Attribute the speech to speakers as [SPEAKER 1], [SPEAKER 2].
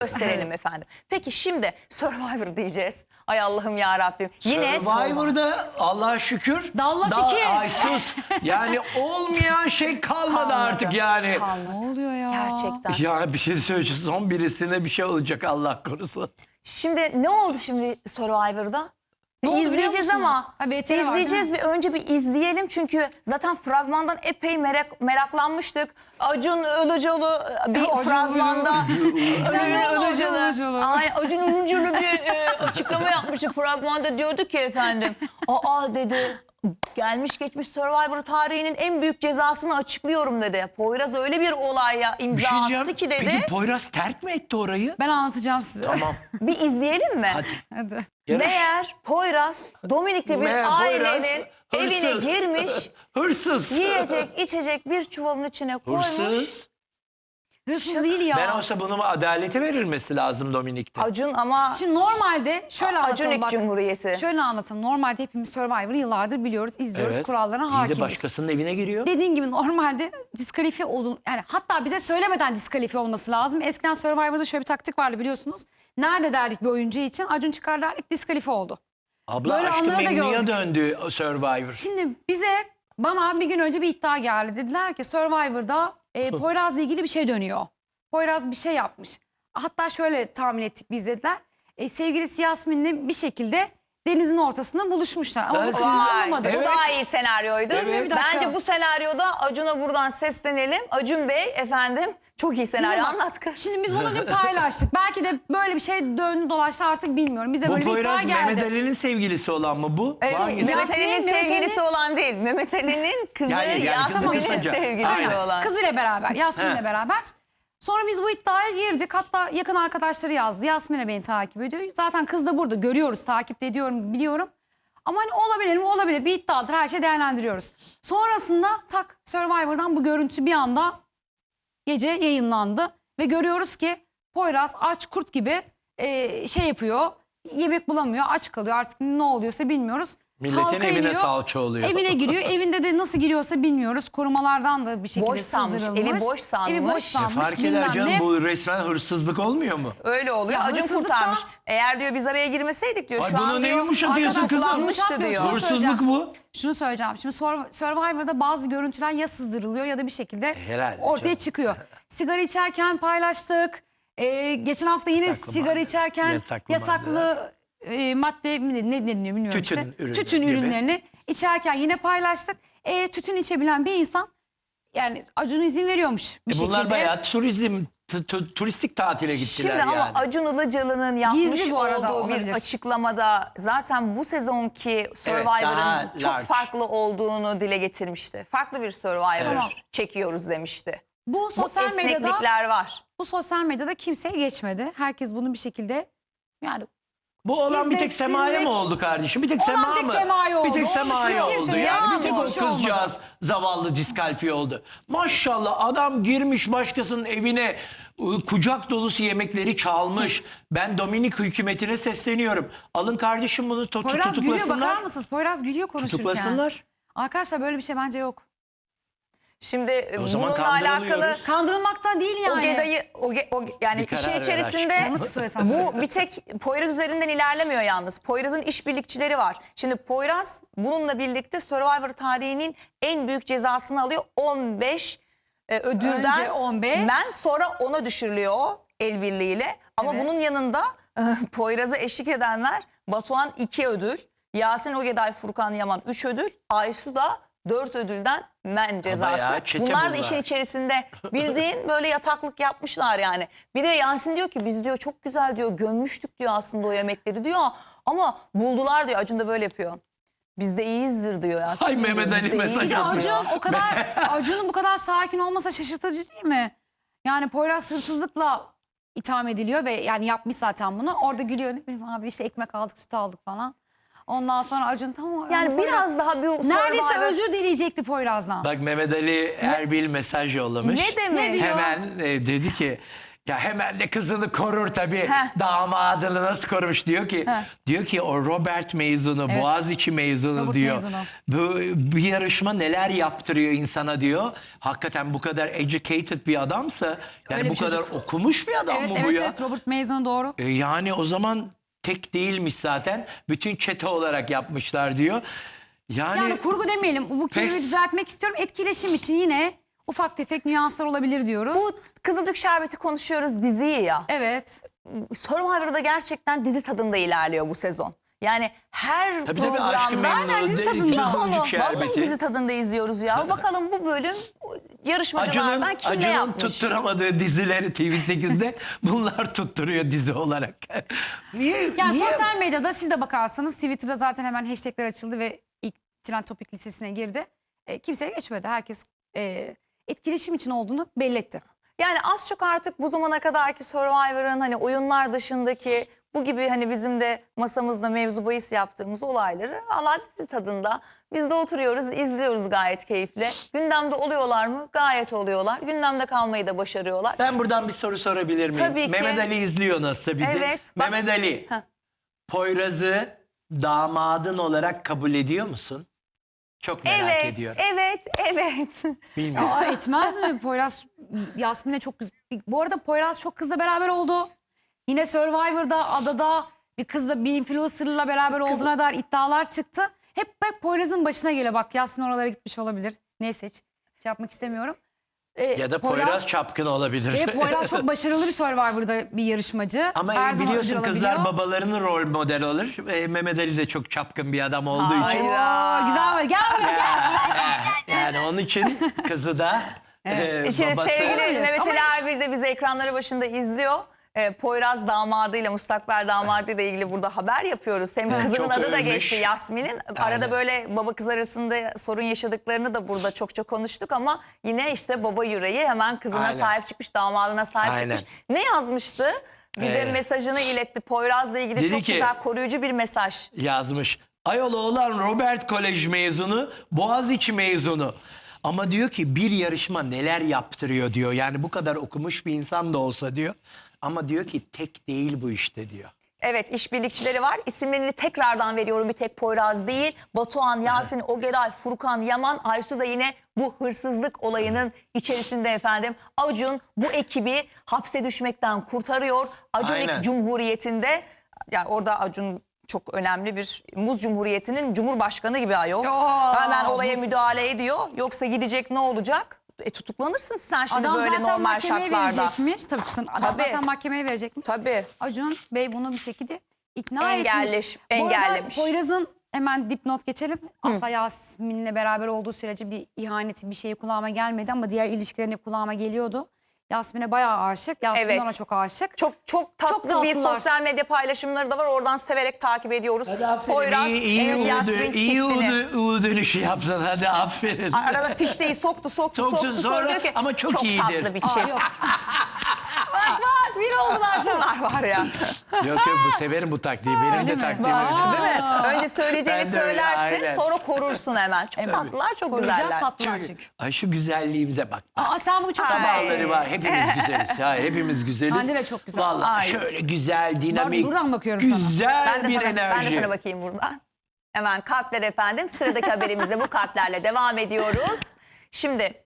[SPEAKER 1] gösterelim efendim. Peki şimdi Survivor diyeceğiz. Ay Allah'ım ya Rabbim. Yine
[SPEAKER 2] Survivor'da Allah'a şükür.
[SPEAKER 3] Dallas 2.
[SPEAKER 2] Ay sus. Yani olmayan şey kalmadı artık yani.
[SPEAKER 3] Ne oluyor ya?
[SPEAKER 1] Gerçekten.
[SPEAKER 2] Ya bir şey söyleyeceğim. Son birisine bir şey olacak Allah korusun.
[SPEAKER 1] Şimdi ne oldu şimdi Survivor'da?
[SPEAKER 3] Ne oldu biliyor
[SPEAKER 1] İzleyeceğiz
[SPEAKER 3] musunuz?
[SPEAKER 1] ama
[SPEAKER 3] Ha, BTR var,
[SPEAKER 1] izleyeceğiz
[SPEAKER 3] değil
[SPEAKER 1] önce bir izleyelim çünkü zaten fragmandan epey meraklanmıştık. Acun Ilıcalı bir
[SPEAKER 3] Acun
[SPEAKER 1] fragmanda
[SPEAKER 3] Acun Ilıcalı.
[SPEAKER 1] Acun Ilıcalı bir açıklama yapmıştı fragmanda, diyordu ki efendim aa dedi, gelmiş geçmiş Survivor tarihinin en büyük cezasını açıklıyorum dedi. Poyraz öyle bir olaya
[SPEAKER 2] Bir
[SPEAKER 1] imza
[SPEAKER 2] şey
[SPEAKER 1] attı
[SPEAKER 2] diyeceğim.
[SPEAKER 1] ki dedi.
[SPEAKER 2] Peki Poyraz terk mi etti orayı?
[SPEAKER 3] Ben anlatacağım size.
[SPEAKER 2] Tamam.
[SPEAKER 1] Bir izleyelim mi?
[SPEAKER 2] Hadi.
[SPEAKER 3] Hadi.
[SPEAKER 2] Yarış.
[SPEAKER 1] Meğer Poyraz Dominik'le bir
[SPEAKER 2] Meğer Poyraz
[SPEAKER 1] ailenin evine
[SPEAKER 2] hırsız.
[SPEAKER 1] girmiş,
[SPEAKER 2] Hırsız.
[SPEAKER 1] yiyecek içecek bir çuvalın içine koymuş.
[SPEAKER 2] Hırsız.
[SPEAKER 3] Hırsız değil ya.
[SPEAKER 2] Ben olsa bunun adalete verilmesi lazım Dominik'te.
[SPEAKER 1] Acun ama
[SPEAKER 3] Şimdi normalde şöyle anlatalım
[SPEAKER 1] Acunik
[SPEAKER 3] bak.
[SPEAKER 1] Cumhuriyeti.
[SPEAKER 3] Şöyle anlatalım. Normalde hepimiz Survivor'ı yıllardır biliyoruz, izliyoruz,
[SPEAKER 2] Evet.
[SPEAKER 3] kurallarına
[SPEAKER 2] İyi de
[SPEAKER 3] hakimiz.
[SPEAKER 2] başkasının evine giriyor.
[SPEAKER 3] Dediğin gibi normalde diskalifiye olun, yani hatta bize söylemeden diskalifiye olması lazım. Eskiden Survivor'da şöyle bir taktik vardı biliyorsunuz. Nerede derdik bir oyuncu için, Acun çıkar derdik, diskalifiye oldu.
[SPEAKER 2] Abla
[SPEAKER 3] Böyle
[SPEAKER 2] Aşk-ı
[SPEAKER 3] anları da
[SPEAKER 2] Memnu'ya
[SPEAKER 3] gördük.
[SPEAKER 2] döndü Survivor.
[SPEAKER 3] Şimdi bana bir gün önce bir iddia geldi. Dediler ki Survivor'da Poyraz'la ilgili bir şey dönüyor. Poyraz bir şey yapmış. Hatta şöyle tahmin ettik biz, dediler. Sevgilisi Yasmin'le bir şekilde denizin ortasında buluşmuşlar. Ama bu
[SPEAKER 2] Ben-
[SPEAKER 3] sizin
[SPEAKER 1] Vay,
[SPEAKER 3] olmadı.
[SPEAKER 2] Evet.
[SPEAKER 1] bu daha iyi senaryoydu.
[SPEAKER 2] Evet.
[SPEAKER 3] Bir dakika.
[SPEAKER 1] Bence bu senaryoda Acun'a buradan seslenelim. Acun Bey efendim, çok iyi senaryo,
[SPEAKER 3] Değil mi?
[SPEAKER 1] anlat kız.
[SPEAKER 3] Şimdi biz bunu dün paylaştık. Belki de böyle bir şey döndü dolaştı, artık bilmiyorum. Bize
[SPEAKER 2] Bu
[SPEAKER 3] böyle bir iddia
[SPEAKER 2] Poyraz
[SPEAKER 3] geldi.
[SPEAKER 2] Mehmet Ali'nin sevgilisi olan mı bu? Hangisi?
[SPEAKER 1] Mehmet Ali'nin
[SPEAKER 3] Mehmet
[SPEAKER 1] sevgilisi
[SPEAKER 3] Ali-
[SPEAKER 1] olan değil. Mehmet Ali'nin kızı
[SPEAKER 2] Yani kızı
[SPEAKER 1] Yasmin'in
[SPEAKER 2] kısaca.
[SPEAKER 1] sevgilisi
[SPEAKER 2] Aynen.
[SPEAKER 1] olan.
[SPEAKER 3] Kızıyla beraber, Yasmin'le
[SPEAKER 2] He.
[SPEAKER 3] beraber. Sonra biz bu iddiaya girdik. Hatta yakın arkadaşları yazdı. Yasmin'e beni takip ediyor. Zaten kız da burada. Görüyoruz, takip de ediyorum, biliyorum. Ama hani olabilir mi? Olabilir. Bir iddiadır. Her şeyi değerlendiriyoruz. Sonrasında tak Survivor'dan bu görüntü bir anda gece yayınlandı. Ve görüyoruz ki Poyraz aç kurt gibi şey yapıyor. Yemek bulamıyor. Aç kalıyor. Artık ne oluyorsa bilmiyoruz.
[SPEAKER 2] Milletin
[SPEAKER 3] Halka
[SPEAKER 2] evine
[SPEAKER 3] iniyor,
[SPEAKER 2] salça oluyor.
[SPEAKER 3] Evine giriyor. Evinde de nasıl giriyorsa bilmiyoruz. Korumalardan da bir şekilde
[SPEAKER 1] Boş sanmış,
[SPEAKER 3] sızdırılmış.
[SPEAKER 1] evi boş sanmış.
[SPEAKER 3] Evi boş sanmış.
[SPEAKER 2] Fark eder
[SPEAKER 3] bilmem
[SPEAKER 2] canım,
[SPEAKER 3] ne.
[SPEAKER 2] bu resmen hırsızlık olmuyor mu?
[SPEAKER 1] Öyle oluyor.
[SPEAKER 3] Ya
[SPEAKER 1] Acun
[SPEAKER 3] hırsızlıktan-
[SPEAKER 1] kurtarmış. Eğer diyor biz araya girmeseydik diyor.
[SPEAKER 2] Ay
[SPEAKER 1] Şu
[SPEAKER 2] bunu
[SPEAKER 1] an
[SPEAKER 2] ne
[SPEAKER 1] diyor
[SPEAKER 2] yumuşatıyorsun kızım?
[SPEAKER 1] arkadaşlanmıştı diyor.
[SPEAKER 3] Şunu
[SPEAKER 2] Hırsızlık
[SPEAKER 3] söyleyeceğim.
[SPEAKER 2] bu.
[SPEAKER 3] Şunu söyleyeceğim. Şimdi Survivor'da bazı görüntüler ya sızdırılıyor ya da bir şekilde
[SPEAKER 2] Herhalde
[SPEAKER 3] ortaya
[SPEAKER 2] canım.
[SPEAKER 3] çıkıyor. Sigara içerken paylaştık. Geçen hafta yine
[SPEAKER 2] Yasaklı
[SPEAKER 3] sigara
[SPEAKER 2] madde.
[SPEAKER 3] içerken
[SPEAKER 2] Yasaklı
[SPEAKER 3] yasaklı madde ne deniliyor bilmiyorum.
[SPEAKER 2] Tütün
[SPEAKER 3] işte.
[SPEAKER 2] ürünü
[SPEAKER 3] Tütün
[SPEAKER 2] gibi.
[SPEAKER 3] ürünlerini içerken yine paylaştık. Tütün içebilen bir insan, yani Acun izin veriyormuş bir şekilde.
[SPEAKER 2] Bunlar bayağı turistik tatile gittiler
[SPEAKER 1] Şimdi
[SPEAKER 2] yani.
[SPEAKER 1] ama Acun Ilıcalı'nın yapmış
[SPEAKER 3] Gizli bu arada,
[SPEAKER 1] olduğu bir
[SPEAKER 3] olabilir.
[SPEAKER 1] açıklamada zaten bu sezonki Survivor'ın
[SPEAKER 2] daha
[SPEAKER 1] çok
[SPEAKER 2] large.
[SPEAKER 1] farklı olduğunu dile getirmişti. Farklı bir Survivor
[SPEAKER 3] Tamam.
[SPEAKER 1] çekiyoruz demişti.
[SPEAKER 3] Bu
[SPEAKER 1] Bu
[SPEAKER 3] sosyal medyada
[SPEAKER 1] esneklikler var.
[SPEAKER 3] kimseye geçmedi. Herkes bunu bir şekilde, yani
[SPEAKER 2] Bu olan bir tek Sema'ya
[SPEAKER 3] İzlettirmek-
[SPEAKER 2] mı oldu kardeşim? Bir tek
[SPEAKER 3] Olan
[SPEAKER 2] Sema
[SPEAKER 3] tek
[SPEAKER 2] mı?
[SPEAKER 3] Sema'ya
[SPEAKER 2] Bir
[SPEAKER 3] oldu.
[SPEAKER 2] tek Sema'ya
[SPEAKER 3] Kimse
[SPEAKER 2] oldu.
[SPEAKER 3] ya,
[SPEAKER 2] Yani bir tek o
[SPEAKER 3] bir şey olmadı.
[SPEAKER 2] kızcağız zavallı diskalifiye oldu. Maşallah adam girmiş başkasının evine, kucak dolusu yemekleri çalmış. Ben Dominik hükümetine sesleniyorum. Alın kardeşim bunu
[SPEAKER 3] Poyraz gülüyor, bakar
[SPEAKER 2] tutuklasınlar.
[SPEAKER 3] mısınız? Poyraz gülüyor konuşurken.
[SPEAKER 2] Tutuklasınlar.
[SPEAKER 3] Arkadaşlar böyle bir şey bence yok.
[SPEAKER 1] Şimdi
[SPEAKER 2] O zaman
[SPEAKER 1] bununla
[SPEAKER 2] kandırılıyoruz.
[SPEAKER 1] alakalı
[SPEAKER 3] Kandırılmaktan değil yani.
[SPEAKER 1] yani
[SPEAKER 2] Bir karar
[SPEAKER 1] işin
[SPEAKER 2] ver
[SPEAKER 1] içerisinde
[SPEAKER 2] aşkım.
[SPEAKER 3] Nasıl söylesem?
[SPEAKER 1] bu bir tek Poyraz üzerinden ilerlemiyor yalnız. Poyraz'ın işbirlikçileri var. Şimdi Poyraz bununla birlikte Survivor tarihinin en büyük cezasını alıyor. 15 ödülden
[SPEAKER 3] Önce 15.
[SPEAKER 1] ben sonra 10'a düşürülüyor o el birliğiyle. Ama
[SPEAKER 3] Evet.
[SPEAKER 1] bunun yanında Poyraz'a eşlik edenler Batuhan 2 ödül, Yasin Ogeday, Furkan Yaman 3 ödül, Aysu da 4 ödülden men cezası.
[SPEAKER 2] Bayağı çete
[SPEAKER 1] Bunlar da
[SPEAKER 2] bunlar.
[SPEAKER 1] işin içerisinde bildiğin böyle yataklık yapmışlar yani. Bir de Yasin diyor ki biz diyor çok güzel diyor gömmüştük diyor aslında o yemekleri diyor. Ama buldular diyor, Acun da böyle yapıyor. Biz de iyiyizdir diyor Yasin.
[SPEAKER 2] Ay Mehmet Ali mesaj
[SPEAKER 3] Bir de
[SPEAKER 2] yapıyor.
[SPEAKER 3] Acun o kadar, Acun'un bu kadar sakin olmasa şaşırtıcı değil mi? Yani Poyraz hırsızlıkla itham ediliyor ve yani yapmış zaten bunu. Orada gülüyor, ne bileyim abi işte ekmek aldık, süt aldık falan. Ondan sonra Acun tamam.
[SPEAKER 1] Yani
[SPEAKER 3] Poyraz-
[SPEAKER 1] biraz daha bir
[SPEAKER 3] neredeyse
[SPEAKER 1] Survivor-
[SPEAKER 3] özür dileyecekti Poyraz'dan.
[SPEAKER 2] Bak Mehmet Ali Erbil mesaj yollamış.
[SPEAKER 1] Ne demek?
[SPEAKER 3] Ne diyor?
[SPEAKER 2] Hemen dedi ki Ya hemen de kızını korur tabii.
[SPEAKER 1] Heh.
[SPEAKER 2] Damadını nasıl korumuş diyor ki o Robert mezunu,
[SPEAKER 3] Evet.
[SPEAKER 2] Boğaziçi mezunu
[SPEAKER 3] Robert
[SPEAKER 2] diyor.
[SPEAKER 3] mezunu.
[SPEAKER 2] Bu yarışma neler yaptırıyor insana diyor. Hakikaten bu kadar educated bir adamsa, yani
[SPEAKER 3] Öyle
[SPEAKER 2] bu
[SPEAKER 3] bir
[SPEAKER 2] kadar
[SPEAKER 3] çocuk.
[SPEAKER 2] okumuş bir adam mı bu
[SPEAKER 3] Evet
[SPEAKER 2] ya?
[SPEAKER 3] evet, Robert mezunu doğru.
[SPEAKER 2] Yani o zaman tek değilmiş zaten. Bütün çete olarak yapmışlar diyor.
[SPEAKER 3] Yani kurgu demeyelim. Bu kelimeyi
[SPEAKER 2] Pes.
[SPEAKER 3] düzeltmek istiyorum. Etkileşim için yine ufak tefek nüanslar olabilir diyoruz.
[SPEAKER 1] Bu Kızılcık Şerbeti konuşuyoruz diziyi ya.
[SPEAKER 3] Evet.
[SPEAKER 1] Survivor'da gerçekten dizi tadında ilerliyor bu sezon. Yani her
[SPEAKER 2] Tabii, Aşk-ı
[SPEAKER 1] programda
[SPEAKER 2] Memnu,
[SPEAKER 1] dizi
[SPEAKER 2] de-
[SPEAKER 1] tadında. Bir
[SPEAKER 2] Kızılcık
[SPEAKER 1] konu. Vallahi
[SPEAKER 2] Şerbeti.
[SPEAKER 1] dizi tadında izliyoruz ya. Bakalım bu bölüm yarışmacılardan kim ne
[SPEAKER 2] Acun'un
[SPEAKER 1] yapmış?
[SPEAKER 2] tutturamadığı dizileri TV8'de bunlar tutturuyor dizi olarak. Niye?
[SPEAKER 3] Yani
[SPEAKER 2] niye?
[SPEAKER 3] sosyal medyada siz de bakarsanız Twitter'da zaten hemen hashtagler açıldı ve ilk trend topik listesine girdi. Kimseye geçmedi. Herkes etkileşim için olduğunu belli etti.
[SPEAKER 1] Yani az çok artık bu zamana kadarki Survivor'ın hani oyunlar dışındaki bu gibi hani bizim de masamızda mevzu bahis yaptığımız olayları Allah dizi tadında biz de oturuyoruz, izliyoruz gayet keyifle. Gündemde oluyorlar mı? Gayet oluyorlar. Gündemde kalmayı da başarıyorlar.
[SPEAKER 2] Ben buradan bir soru sorabilir miyim?
[SPEAKER 1] Tabii ki.
[SPEAKER 2] Mehmet Ali izliyor nasıl bizi?
[SPEAKER 1] Evet, bak-
[SPEAKER 2] Mehmet Ali,
[SPEAKER 1] Heh.
[SPEAKER 2] Poyraz'ı damadın olarak kabul ediyor musun? Çok merak
[SPEAKER 1] Evet,
[SPEAKER 2] ediyorum.
[SPEAKER 1] evet.
[SPEAKER 2] Bilmiyorum.
[SPEAKER 3] Aa, etmez mi? Poyraz Yasmin'e çok bu arada Poyraz çok kızla beraber oldu. Yine Survivor'da, adada bir kızla, bir influencer'la beraber olduğuna dair iddialar çıktı. Hep Poyraz'ın başına geliyor. Bak Yasmin oralara gitmiş olabilir. Neyse hiç şey yapmak istemiyorum.
[SPEAKER 2] Ya da Poyraz çapkın olabilir.
[SPEAKER 3] Poyraz çok başarılı bir Survivor'da bir yarışmacı.
[SPEAKER 2] Ama
[SPEAKER 3] Her zaman
[SPEAKER 2] biliyorsun
[SPEAKER 3] ödül
[SPEAKER 2] kızlar
[SPEAKER 3] alabiliyor.
[SPEAKER 2] babalarının rol model olur. Mehmet Ali de çok çapkın bir adam olduğu için.
[SPEAKER 3] Oo, güzel mi? Gel buraya gel.
[SPEAKER 2] Yani onun için kızı da
[SPEAKER 1] Şimdi
[SPEAKER 2] babası.
[SPEAKER 1] sevgili
[SPEAKER 3] Olabilir.
[SPEAKER 1] Mehmet
[SPEAKER 3] Ama-
[SPEAKER 1] Ali Erbil de bizi ekranları başında izliyor. Poyraz damadıyla, mustakbel damadıyla ilgili burada haber yapıyoruz. Hem
[SPEAKER 2] Evet,
[SPEAKER 1] kızının
[SPEAKER 2] çok
[SPEAKER 1] adı da
[SPEAKER 2] övmüş.
[SPEAKER 1] geçti Yasmin'in. Arada
[SPEAKER 2] Aynen.
[SPEAKER 1] böyle baba kız arasında sorun yaşadıklarını da burada çokça konuştuk ama yine işte baba yüreği hemen kızına
[SPEAKER 2] Aynen.
[SPEAKER 1] sahip çıkmış, damadına sahip
[SPEAKER 2] Aynen.
[SPEAKER 1] çıkmış. Ne yazmıştı? Bize mesajını iletti. Poyraz'la ilgili
[SPEAKER 2] Dedi
[SPEAKER 1] çok
[SPEAKER 2] ki-
[SPEAKER 1] güzel koruyucu bir mesaj.
[SPEAKER 2] Yazmış. Ayol oğlan Robert Kolej mezunu, Boğaziçi mezunu. Ama diyor ki bir yarışma neler yaptırıyor diyor. Yani bu kadar okumuş bir insan da olsa diyor. Ama diyor ki tek değil bu işte diyor.
[SPEAKER 1] Evet, işbirlikçileri var. İsimlerini tekrardan veriyorum, bir tek Poyraz değil. Batuhan, Yasin, Ogeray, Furkan, Yaman, Aysu da yine bu hırsızlık olayının içerisinde efendim. Acun bu ekibi hapse düşmekten kurtarıyor. Acunik
[SPEAKER 2] Aynen.
[SPEAKER 1] Cumhuriyeti'nde, yani orada Acun çok önemli bir Muz Cumhuriyeti'nin Cumhurbaşkanı gibi ayol.
[SPEAKER 3] Yo.
[SPEAKER 1] Hemen olaya müdahale ediyor. Yoksa gidecek, ne olacak? Tutuklanırsın sen şimdi
[SPEAKER 3] Adam
[SPEAKER 1] böyle
[SPEAKER 3] zaten
[SPEAKER 1] normal
[SPEAKER 3] mahkemeye
[SPEAKER 1] şartlarda.
[SPEAKER 3] verecekmiş. Adam
[SPEAKER 1] Tabii.
[SPEAKER 3] zaten mahkemeye verecekmiş.
[SPEAKER 1] Tabii.
[SPEAKER 3] Acun Bey bunu bir şekilde ikna etmiş.
[SPEAKER 1] Engellemiş.
[SPEAKER 3] Bu arada Poyraz'ın hemen dipnot geçelim. Asla Yasmin'le beraber olduğu sürece bir ihaneti, bir şey kulağıma gelmedi ama diğer ilişkilerine kulağıma geliyordu. Yasmin'e bayağı aşık. Yasmin
[SPEAKER 1] Evet.
[SPEAKER 3] ona çok aşık.
[SPEAKER 1] Çok tatlı bir
[SPEAKER 3] tatlılar.
[SPEAKER 1] sosyal medya paylaşımları da var. Oradan severek takip ediyoruz.
[SPEAKER 2] Hadi aferin.
[SPEAKER 1] Poyraz,
[SPEAKER 2] iyi
[SPEAKER 1] Yasmin çiftini.
[SPEAKER 2] U dönüşü yaptın. Hadi aferin.
[SPEAKER 1] Arada fişteyi soktu
[SPEAKER 2] Soktun sonra
[SPEAKER 1] diyor ki,
[SPEAKER 2] ama çok iyidir.
[SPEAKER 1] tatlı bir
[SPEAKER 3] Aa,
[SPEAKER 1] çift.
[SPEAKER 3] yok. bak bir oldular şu an.
[SPEAKER 1] Bunlar var ya.
[SPEAKER 2] Yok bu severim bu taktiği. Benim
[SPEAKER 3] Öyle
[SPEAKER 2] de
[SPEAKER 3] mi?
[SPEAKER 2] taktiğim
[SPEAKER 3] Aa.
[SPEAKER 2] öyle.
[SPEAKER 1] Değil mi? Önce söyleyeceğini
[SPEAKER 2] Ben de öyle,
[SPEAKER 1] söylersin,
[SPEAKER 2] aynen.
[SPEAKER 1] sonra korursun hemen. Çok
[SPEAKER 3] Evet.
[SPEAKER 1] tatlılar, çok
[SPEAKER 3] Koruyacağız,
[SPEAKER 1] güzeller.
[SPEAKER 3] tatlılar çünkü.
[SPEAKER 2] Ay şu güzelliğimize bak.
[SPEAKER 3] Aa, sen bu çok
[SPEAKER 2] Sabahları var. Hepimiz güzeliz. Ya, hepimiz güzeliz.
[SPEAKER 3] Hande de çok güzel.
[SPEAKER 2] Vallahi
[SPEAKER 1] Ay.
[SPEAKER 2] şöyle güzel, dinamik.
[SPEAKER 3] buradan bakıyorum sana.
[SPEAKER 2] güzel
[SPEAKER 1] Ben de
[SPEAKER 2] bir
[SPEAKER 1] sana,
[SPEAKER 2] enerji.
[SPEAKER 1] ben de sana bakayım buradan. Hemen kalpler efendim. Sıradaki haberimizde bu kalplerle devam ediyoruz. Şimdi